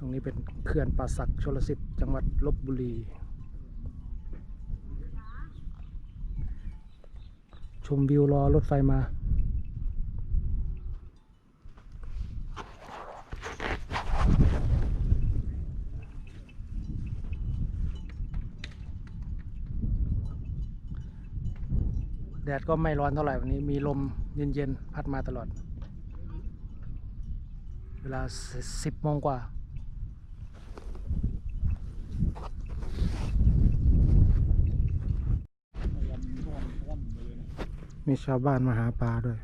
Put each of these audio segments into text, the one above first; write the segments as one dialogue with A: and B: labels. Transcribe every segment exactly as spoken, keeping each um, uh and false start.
A: รงนี้เป็นเขื่อนป่าสักชลสิทธิ์จังหวัดลพบุรีชมวิวรอรถไฟมาแดดก็ไม่ร้อนเท่าไหร่วันนี้มีลมเย็นๆพัดมาตลอดเวลาสิบโมงกว่ามีชาวบ้านมาหาปลาด้วย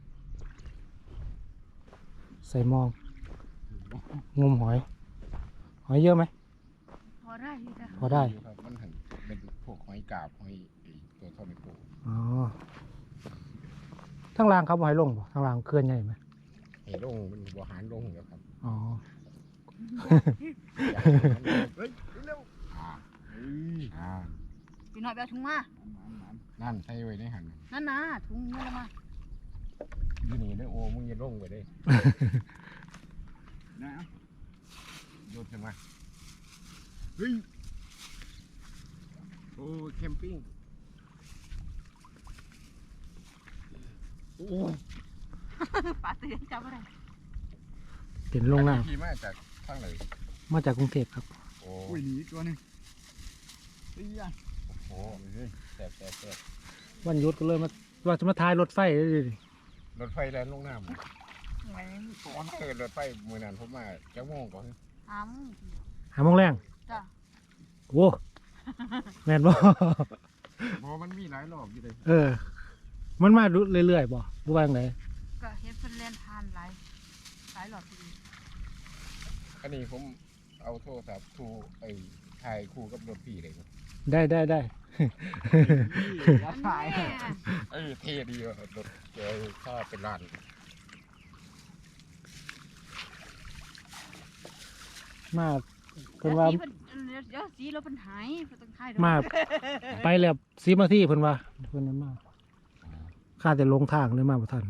A: ใส่มองงมหอยหอยเยอะไหม
B: พอได้
A: พอได้
C: ครับมันหันเป็นพวกหอยกาบหอยตัวเท่าในปู
A: อ๋อทั้งรางครับหอยลงป่ะทั้งรางเคลื่อนใหญ่ไหม
C: หอยลงมันบัวหารลงแล้วครับ
A: อ๋อ
C: เฮ้ยเร็วอ่าอ่า
B: พี่น้อยไปเอาถุงมา
C: นั่นใส่ไว้ในหัน
B: นั่นนะถุงนี่ละมา
C: อยู่นี่นะโอ้มึงอย่าลงไปได้นะโยนขึ้นมาเฮ้ยโอ้แคมปิ้งโอ้
B: ปลาเตือนจับอะไร
A: เห็นลงน้ำ
C: ขี่มาจากทางไหน
A: มาจากกรุงเทพครับ
C: โอ้ยหนีตัวนึงเฮ้ยโอ้โหแสบแสบแสบ
A: วันหยุดก็เลยมาว่าจะมาทายรถไฟเลยดิ
C: รถไฟแล่นลงน้ำไม่ก่อนเกิดรถไฟเมื่อนั้นผมมาแก้วโมงก่อน
B: หาม
A: หาโมงแรง
B: จ้ะ
A: โว้แม่นบ่
C: เพราะมันมีหลายรอบอยู่เลย
A: เออมันมาเรื่อยๆบ่รู้ว่าไง
B: ก็เฮ็ดเพิ่นเล่นทานหลายหลายรอบดี
C: อันนี้ผมเอาโทรศัพท์ทูไอ้ถ่ายคู่กับรถพี่เลยครับ
A: ได้ได้ได้
B: ถ่าย
C: เออเท่ดีว่ะรถเจอข้าเป็นร้าน
A: มาเพิ่นว่า
B: เดี๋ยวสีเราเป็นหายต้องถ่าย
A: มาไปแล้วสิบนาทีเพิ่นว่าเพิ่นนั้นมาข้าแต่ลงทางเลยมาบ่ทัน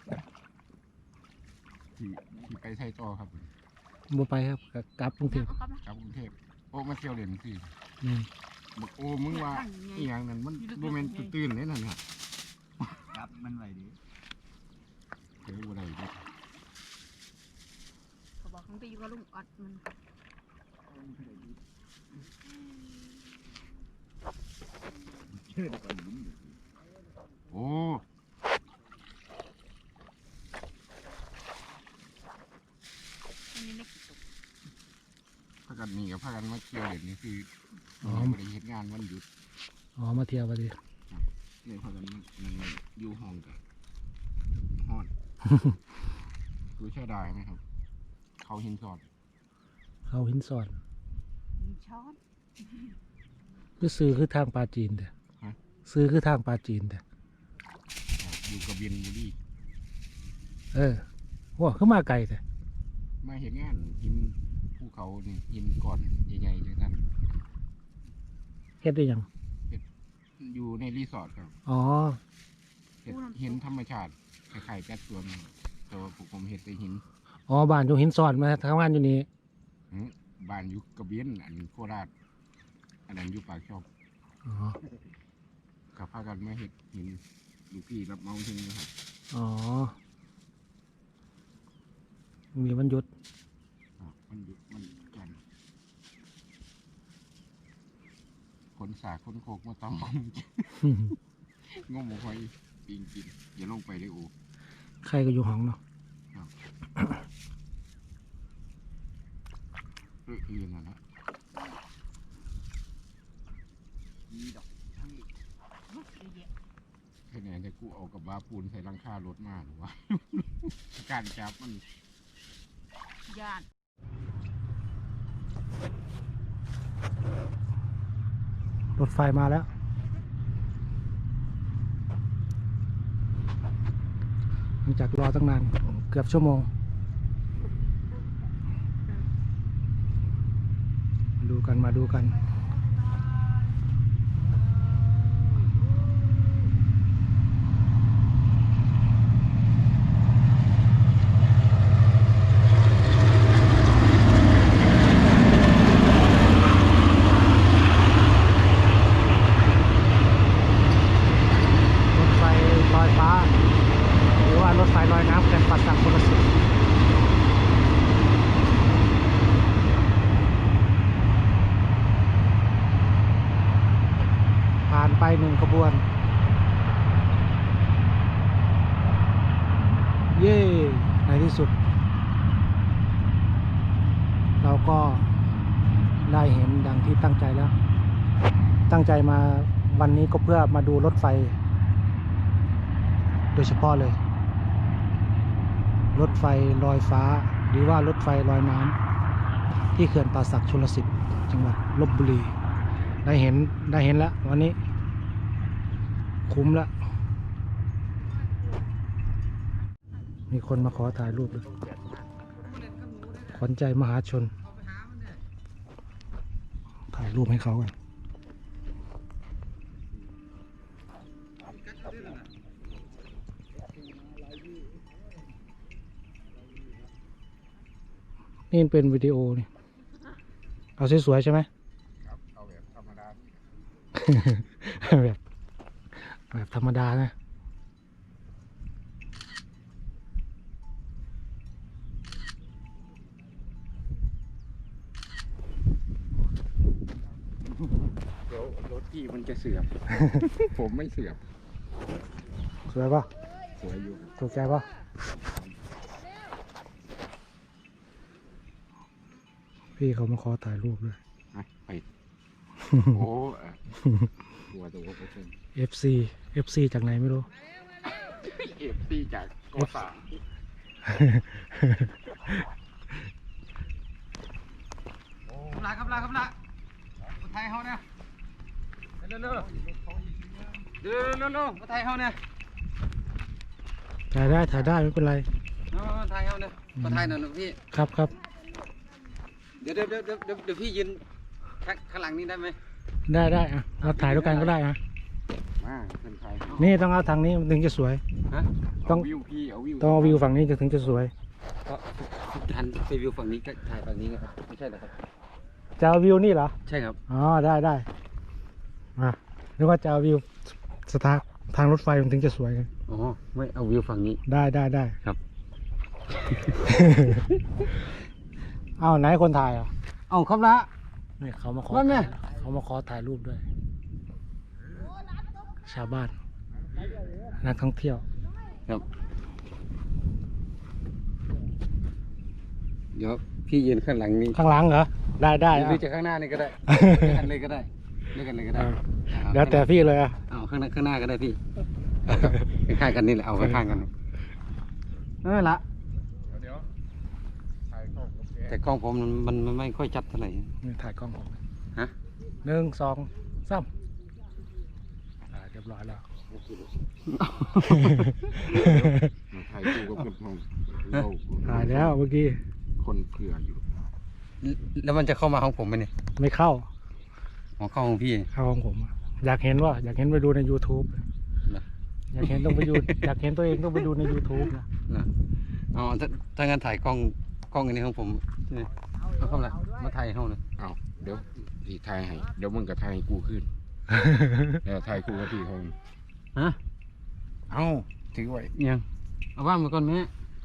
C: ที่ที่ไปไทยจอครับ
A: บ่ไปครับกลับกรุงเทพ
C: กลับกรุงเทพโอ้มาเที่ยวเล่นสิ
A: นี่
C: โอ้มึงว่าอีหยังนั้นมันโมเมนต์ตื่นเลยนั่นครับ
D: ครับมันไหวดี
C: เดี๋ยววันไหนดิ
B: เขาบอกเขาไปอยู่กับลุงออดมัน
C: โอ้พากันมีกับพากันมาเที่ยวเล่นนี่คืออ๋อไม่ได้เฮ็ดงานวันหยุด
A: อ๋อมาเที่ยวพอดี
C: เนี่ยพากันมันอยู่ห้องกันฮอดดูใช่ได้ไหมครับเขาหินสอด
A: เขาหินสอด
B: หินช้อน
A: คือซื้อคือทางปลาจีนเด้อซื้อคือทางปลาจีนเด้อ
C: อยู่กับเบียนบุรี
A: เออว้าขึ้นมาไกลแต่
C: มาเห็นงานหินภูเขานี่หินก่อนใหญ่ๆจังนั้น
A: เฮ็ดได้ยัง
C: อยู่ในรีสอร์ทครับ
A: อ๋อ
C: เห็นธรรมชาติคล้ายๆแป๊ดสวนตัวผมเห็นแต่หิน
A: อ๋อบ้านอยู่หินสอดมาทำงานอยู่นี่
C: บ้านอยู่กระเบียนอันโคราชอันนั้นอยู่ปากช่อง
A: อ๋อ
C: กับพากันมาเห็ดหินลูกพี่รับเมาทิ้งนะครับ
A: อ๋อมีวันหยุด
C: มันหยุดมันจันคนสาคนโคกมาต้องงมหอยปิงกินอย่าลงไปเลยโอ้
A: ใครก็อยู่ห้องเนาะ
C: เรื่องอื่นนะนะแค่ไหนจะกูเอากับบ้าปูนใส่ลังคารถมาหรือวะการจับมัน
B: ยาน
A: รถไฟมาแล้วหลังจากรอตั้งนานเกือบชั่วโมงมาดูกันมาดูกันหนึ่งขบวน เย้ในที่สุด เราก็ได้เห็นดังที่ตั้งใจแล้ว ตั้งใจมาวันนี้ก็เพื่อมาดูรถไฟ โดยเฉพาะเลย รถไฟลอยฟ้าหรือว่ารถไฟลอยน้ำที่เขื่อนป่าสักชลสิทธิ์จังหวัดลพบุรี ได้เห็นได้เห็นแล้ววันนี้ คุ้มแล้ว มีคนมาขอถ่ายรูปเลยขวัญใจมหาชน ถ่ายรูปให้เขากันนี่เป็นวิดีโอนี่ เอาสวยๆใช่ไหม
C: ครับเอาแบบธรรมดา
A: แบบแบบธรรมดานะ
C: เดี๋ยวรถพี่มันจะเสื่อม ผมไม่เสื่อม
A: สวยปะ
C: สวยอยู่
A: ถูกใจปะพี่เขามาขอถ่ายรูปด้วย
C: อ่ะไป โอ้อ่ะหัวตัวก็เป็น
A: เอฟ ซี เอฟ ซี จากไหนไม่รู้
C: เอฟซีจากกอสาม
D: ลาครับลาครับลาคนไทยเขาเนี่ยเร็วเร็วเร็วเร็วเร็วเร็วคนไทยเขาเนี่ย
A: ถ่ายได้ถ่ายได้ไม่เป็นไร
D: คนไทยเขาเนี่ยคนไทยหน่อยหนูพี่
A: ครับครับ
D: เดี๋ยวเดี๋ยวเดี๋ยวเดี๋ยวเดี๋ยวเดี๋ยวพี่ยืนข้างข้างหลังนี้ได้ไหม
A: ได้ได้อะเราถ่ายด้วยกันก็ได้อะ
C: มาเป็นใคร
A: นี่ต้องเอาทางนี้มันถึงจะสวย
D: ฮะ
A: ต้อง
C: เอาวิวพี่เอาวิว
A: ต้องเอาวิวฝั่งนี้จะถึงจะสวย
D: ก็หันไปวิวฝั่งนี้ก็ถ่ายฝั่งนี้นะครับไม่ใช่เหรอครับ
A: จะเอาวิวนี่เหรอ
D: ใช่ครับ
A: อ๋อได้ได้มาหรือว่าจะเอาวิวสถานทางรถไฟมันถึงจะสวยไง
D: อ๋อไม่เอาวิวฝั่งนี้
A: ได้ได้ได้
D: ครับ
A: เอาไหนคนถ่ายอ่ะ
D: เอาครับละ
A: นี่เขามาขอ
D: ว่าไง
A: ถ่ายเขามาขอถ่ายรูปด้วย ชาวบ้านนักท่องเที่ยว
D: ครับเดี๋ยวพี่ยืนข้างหลังนี้
A: ข้างหลังเหรอได้ได้
D: ห
A: เอา
D: รือจะข้างหน้านี่ก็ได้ด้วยกันเลยก็ได้ด้วยกันเลยก็ได้
A: เดี๋ยวแต่พี่เลยอ่ะ
D: เอาข้างหน้าข้างหน้าก็ได้พี่ข้างๆกันนี่แหละเอาข้างๆกันเออละ
C: เดี๋ยวถ่ายเข้ากับแก
D: แต่กล้องผมมันมันมันไม่ค่อยชัดเท่าไหร่
A: นี่ถ่ายกล้องผม
D: ฮะ
A: หนึ่งสองสามอ่าเรียบร้อยแล้ว
C: มาถ่ายคู่กับคนห้องเรา
A: ถ่ายแล้วเมื่อกี้
C: คนเผื่ออยู่
D: แล้วมันจะเข้ามาห้องผมไหมเนี่ย
A: ไม่เข้า
D: ของเข้าห้องพี่
A: เข้าของผมอะอยากเห็นว่า อยากเห็นไปดูใน YouTube
D: นะ
A: อยากเห็นต้องไปดู อยากเห็นตัวเองต้องไปดูใน YouTube นะ
D: นะอ๋อถ้าถ้างั้นถ่ายกล้องกล้องอันนี้ของผมใช่ไหมเอาเข้ามามาถ่ายห้องเลย
C: เอาเดี๋ยวพี่ถ่ายให้เดี๋ยวมึงก็ถ่ายให้กูขึ้นเดี๋ยวถ่ายกูกับพี่เขา
D: ฮะ
C: เอาถือไว้
D: ยังเอาว่างมาก่อนแม่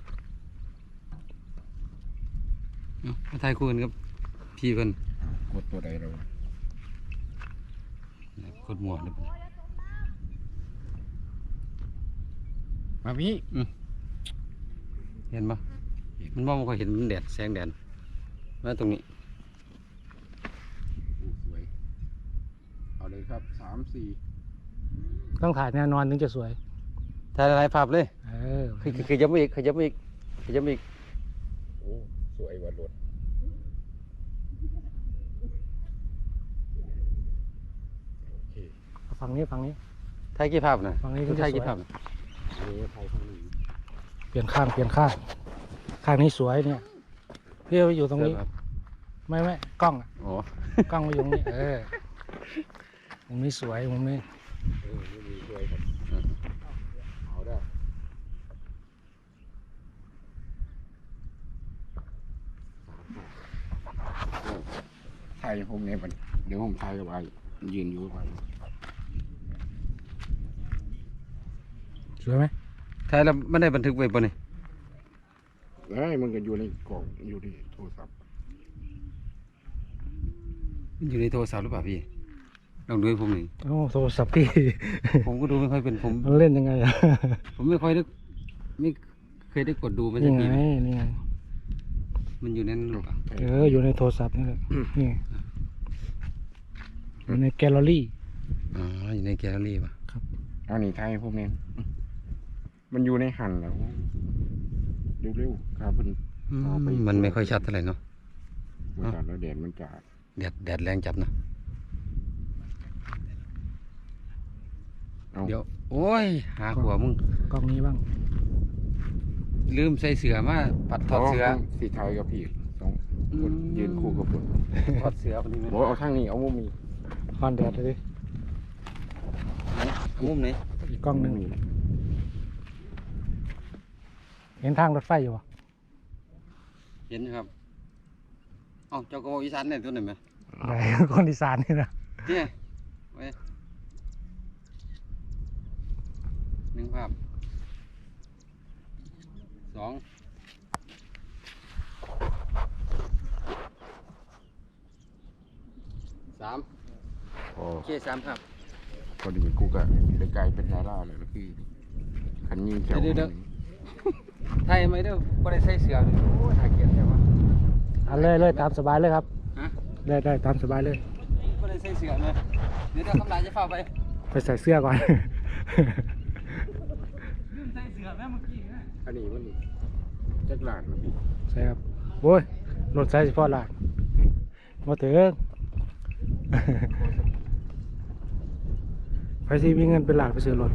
D: เอามาถ่ายคู่กันครับพี่เพิ่น
C: กดตัวใดเรา
D: กดหมวกเลย
C: มาพี่
D: เห็นปะมันมองไม่ค่อยเห็นมันแดดแสงแดดมาตรงนี้
C: อู้สวยเอาเลยครับสามสี่
A: ต้องถ่ายแน่นอนถึงจะสวย
D: ถ่ายหลายภาพเลย
A: เออ
D: คือคือคือยับมาอีกคือยับมาอีกคือยับมาอีก
C: โอ้สวยว่ารถโอเค
A: ฝั่งนี้ฝั่งนี้
D: ถ่ายกี่ภาพนะ
A: ฝั่งนี้ก็
D: คุณ
A: จะ
D: ถ่าย
A: ส
D: กี่
A: วย
D: ภาพนะ
C: เดี๋ยวถ่ายข้างนี้
A: เปลี่ยนข้างเปลี่ยนข้าง ข้างนี้สวยเนี่ยพี่ไปอยู่ตรงนี้
D: ครับ
A: ไม่ไม่กล้องอะ
D: อ๋อก
A: ล้องไปอยู่ตรงนี้ เออมุมนี้สวยมุมนี้
C: เออนี่มีสวยครับเอาได้ถ่ายผมเนี่ยมันเดี๋ยวผมถ่ายกับไอ้ยืนอยู่กับไอ้
A: สวยไหม
D: ถ่ายแล้วไม่ได้บันทึกไว้ปะเนี่ย
C: เอ้ยมันก็อยู่ในกล่องอยู่ในโทรศัพท์
D: อยู่ในโทรศัพท์หรือเปล่าพี่ลองดูให้ผมหน่อย
A: โอ้โทรศัพท์พี่
D: ผมก็ดูไม่ค่อยเป็นผม
A: มันเล่นยังไงอะ
D: ผมไม่ค่อยได้ไม่เคยได้กดดูมันสั
A: นี่
D: ก
A: ไง
D: ทีนะ
A: นี่ไง
D: มันอยู่ในนั้นหรือเปล่า
A: เอออยู่ในโทรศัพท์นี่แหละนี่อยู่ในแกลเลอรี่
D: อ๋ออยู่ในแกลเลอรี่ป่ะ
C: เอาหนีไทยพวกนี้มันอยู่ในหันแล้วเร็วๆครับมัน
D: อืม
C: เอาไป
D: มันไม่ค่อยชัดเท่าไหร่เนาะ
C: มันจัดแล้วแดดมันจัด
D: แดดแดดแรงจับเนาะ
C: เอา
D: เดี๋ยวโอ้ยหาหัวมึง
A: กล้องนี้บ้าง
D: ลืมใส่เสือมาปัดถอดเสือ
C: สีไทยกับพี่สองคนยืนคู่กับผม
D: ถอดเสือคนนี้ไหม
C: บอกเอาทางนี้เอามุมนี้
A: คอนแดดเลยดิ
D: มุมไหน
A: อีกกล้องหนึ่งเห็นทางรถไฟอยู่ปะ
D: เห็นครับเอ้าเจ้ากระบอกอีสานเนี่ยตัวไหนไหม
A: ไหน คนอีสานนี่นะ
D: เนี่ยไว้หนึ่งภาพสองสาม
C: พอ
D: โอเคสามภาพ
C: พอดีกูก็ได้กลายเป็นดาราเลยแล้วพี่ขันยิงแถว
D: เดี๋ยวเดี๋ยว ไทยไหมเด้อก็ได้ใส่เสือเลยโอ้ยน่าเกลียดใช่ปะ
A: เอันเลยเลยตามสบายเลยครับ
D: ฮะ
A: ได้ได้ตามสบายเลย
D: ก็ได้ใส่เสือเลยเดี๋ยวเดี๋ยวคำลายจะเฝ้าไป
A: ไปใส่เสื้อก่อน
D: ลืมใส่เสือแม่เมื่อกี้นะ
C: อันนี้มันจักรลานนะพี่
A: ใช่ครับโอ้ยรถใช้เฉพาะหลานมาถึง ไปที่มีเงินเป็นหลานไปซื้อรถ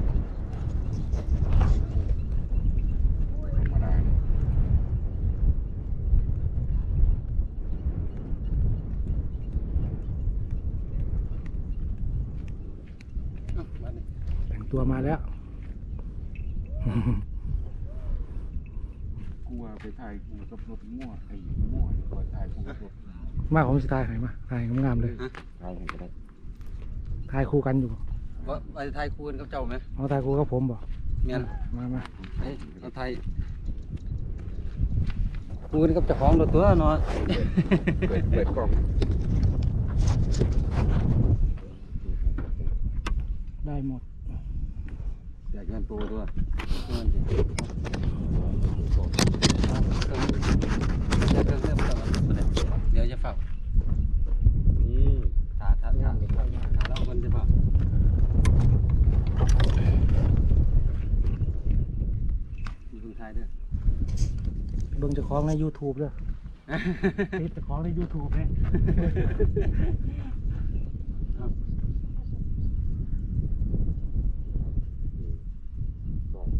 C: ธรรมดาเนี่ย
D: เอ้ามาดิ
A: แต่งตัวมาแล้ว
C: กูว่าไปถ่ายกูกับรถมั่วไอ้มั่วดีกว่าถ่ายกูกับรถ
A: มาผมสิทายให้มาถ่ายงามๆเลย
C: ถ่ายให้ก็ได้
A: ถ่ายคู่กันอยู่บ่
D: ว่าไปไทยคูณกับเจ้าไหม
A: เอาถ่ายคู่กับผมบ่
D: เมียน
A: มามา
D: เอ้ยเอาไทยคูณกับเจ้าของรถตัวเนาะ
C: เปิดเปิดกล้อง
A: ได้หมด
D: อยากเงินตัวตัวเงินดิเดี๋ยวเดี๋ยวเดี๋ยวเดี๋ยวจะเฝ้า
C: นี่
D: ถ้าถ้าถ้าถ้าเราคนจะเฝ้ามีคนไทยด้วย
A: เบิ่งเจ้าของใน YouTube เด้อ ติดเจ้าของใน YouTube เนี่ย
C: กล้อง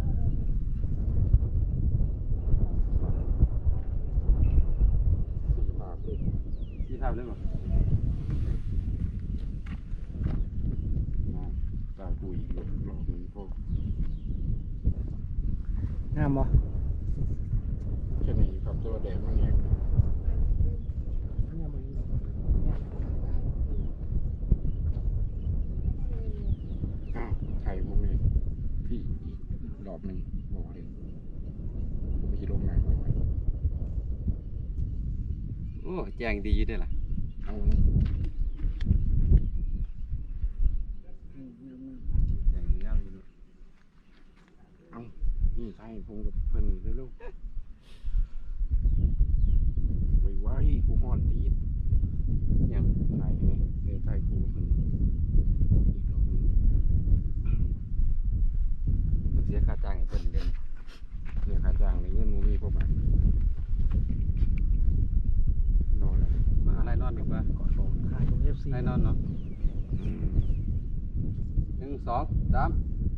C: สี่ภาพเลย
D: ที่ภาพได้ป่ะ
C: นะถ่ายกูอีกรอบรอบนึงพวก
A: งามบ่
C: แค่นี้ครับตัวแดงมันแห้งอ้าวถ่ายพวกนี้พี่อีกรอบหนึ่งบอกเลยผมไปขี่ลงน้ำไป
D: โอ้แจ้งดีอยู่ด้วยล่ะ
C: เอา
D: แจ้งยาวอยู่ด้วย
C: เอานี่ถ่ายผมกับเพิ่นเร็วๆไว้ไว้กูห่อนตีด
D: ยัง
C: ถ่ายนี่เดี๋ยวถ่ายกูกับเพิ่นอีกรอบหนึง
D: เสียค่าจ้างให้เพิ่นเดือน
C: เสียค่าจ้างในเงินมูมีพวกมันรอแล้ว
D: มาอะไรนอนดีกว่า
A: ถ่ายกับ เอฟ ซี
D: อะไรนอนเนาะหนึ่งสองสาม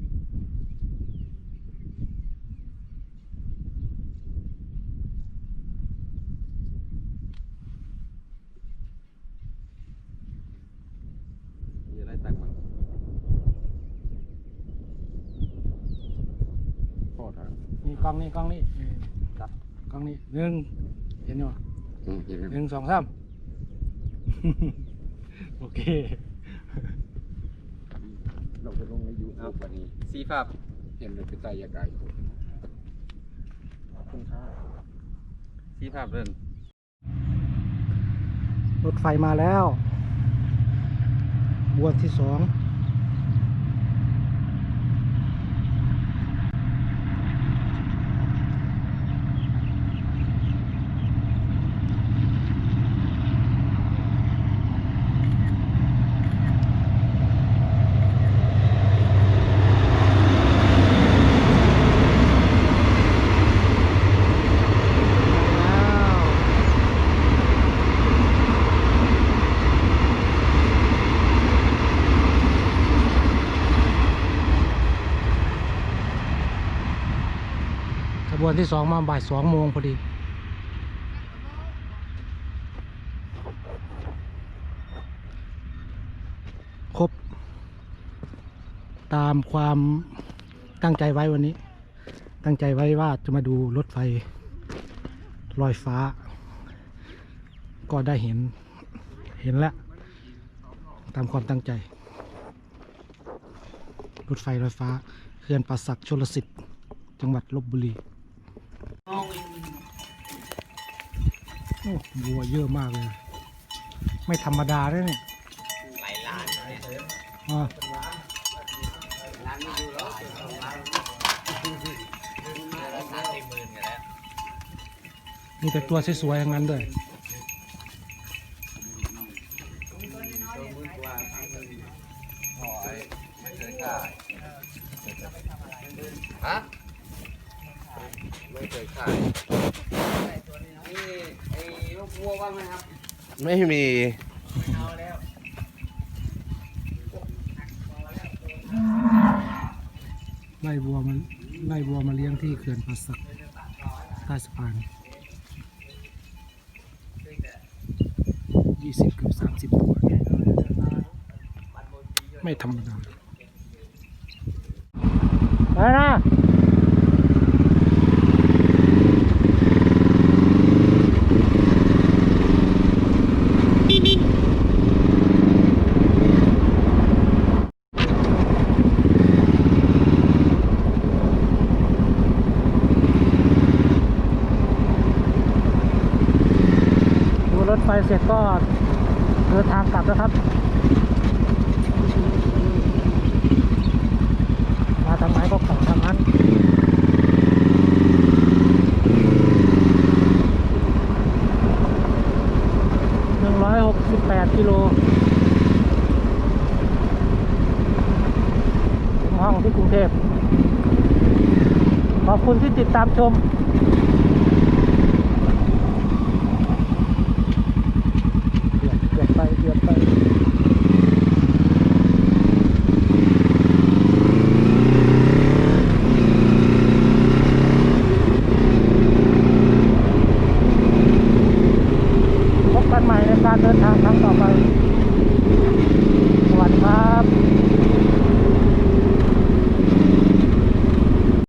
D: มีอะไรต่างบ้าง
C: พ่อถาม
A: นี่กล้องนี่กล้องนี่นี่ตัดกล้องนี่หนึ่งเห็นอยู่บ่
C: อืมเห็นไหม
A: หนึ่งสองสาม โอเค
C: เราจะลงในยู
D: เอา
C: ทูบวันนี้
D: สีภาพ
C: เห็นเลยเป็นตายากายขอบคุณครับ
D: สีภาพเดิน
A: รถไฟมาแล้ว
C: ม
A: บวนที่สองขบวนที่สองมาบ่ายสองโมงพอดี ครบ ตามความตั้งใจไว้วันนี้ ตั้งใจไว้ว่าจะมาดูรถไฟลอยฟ้า ก็ได้เห็น เห็นแล้ว ตามความตั้งใจ รถไฟลอยฟ้าเขื่อนป่าสักชลสิทธิ์จังหวัดลพบุรี โอ้วัวเยอะมากเลย ไม่ธรรมดาเลยเนี่ยหลายล้านอ่ามีแต่ตัวสวยๆอย่างนั้นด้วย
D: ฮะไม่เคยขายนี่ไอ้ลูกวัวบ้างไหมครับไม่มี
A: ไล่วัวมันไล่วัวมาเลี้ยงที่เขื่อนป่าสักใต้สะพานยี่สิบเกือบสามสิบตัวไม่ธรรมดาไปนะดูรถไฟเสร็จก็เดินทางกลับแล้วครับ มาทางไหนก็กลับทางนั้นหนึ่งร้อยหกสิบแปดกิโลถึงห้องที่กรุงเทพขอบคุณที่ติดตามชม